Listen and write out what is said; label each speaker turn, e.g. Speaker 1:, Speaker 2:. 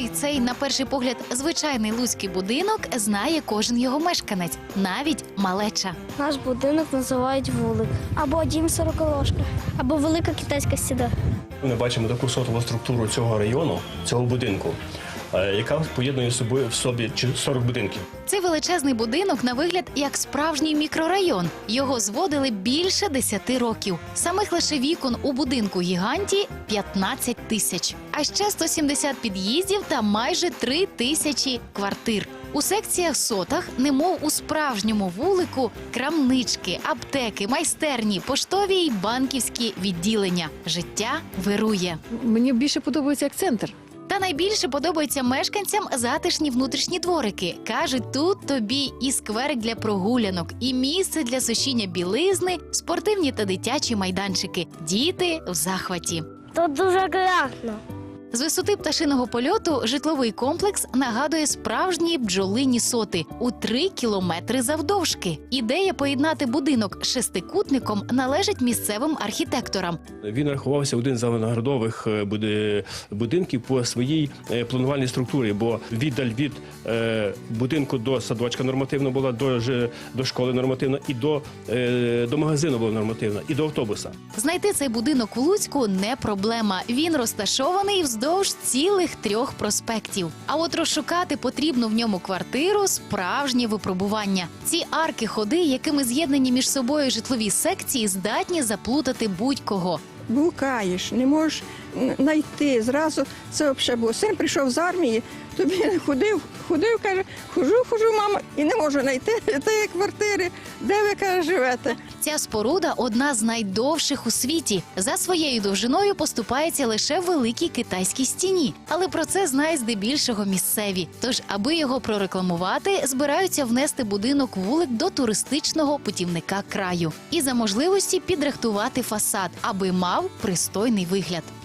Speaker 1: цей, на перший погляд, звичайний луцький будинок знає кожен його мешканець, навіть малеча.
Speaker 2: Наш будинок називають вулик. Або дім сороколожка. Або велика китайська стіна.
Speaker 3: Ми бачимо таку сотову структуру цього району, цього будинку, яка поєднує в собі 40 будинків.
Speaker 1: Цей величезний будинок на вигляд як справжній мікрорайон. Його зводили більше 10 років. Самих лише вікон у будинку гіганті 15 тисяч. А ще 170 під'їздів та майже 3 тисячі квартир. У секціях сотах, немов у справжньому вулику, крамнички, аптеки, майстерні, поштові й банківські відділення. Життя вирує.
Speaker 4: Мені більше подобається як центр.
Speaker 1: Та найбільше подобаються мешканцям затишні внутрішні дворики. Кажуть, тут тобі і скверик для прогулянок, і місце для сушіння білизни, спортивні та дитячі майданчики. Діти в захваті.
Speaker 2: Тут дуже грязно.
Speaker 1: З висоти пташиного польоту житловий комплекс нагадує справжні бджолині соти у 3 кілометри завдовжки. Ідея поєднати будинок з шестикутником належить місцевим архітекторам.
Speaker 3: Він рахувався один з виноградових будинків по своїй планувальній структурі, бо віддаль від будинку до садочка нормативно була, до школи нормативно, і до магазину була нормативна, і до автобуса.
Speaker 1: Знайти цей будинок у Луцьку не проблема. Він розташований вздовж цілих 3 проспектів. А от розшукати потрібну в ньому квартиру – справжнє випробування. Ці арки-ходи, якими з'єднані між собою житлові секції, здатні заплутати будь-кого.
Speaker 5: Блукаєш, не можеш знайти. Зразу це взагалі було. Син прийшов з армії, тобі ходив, каже, хожу, мама, і не можу знайти тієї квартири, де ви, каже, живете.
Speaker 1: Ця споруда – одна з найдовших у світі. За своєю довжиною поступається лише Великій Китайській стіні. Але про це знають здебільшого місцеві. Тож, аби його прорекламувати, збираються внести будинок-вулик до туристичного путівника краю. І за можливості підрихтувати фасад, аби мав пристойний вигляд.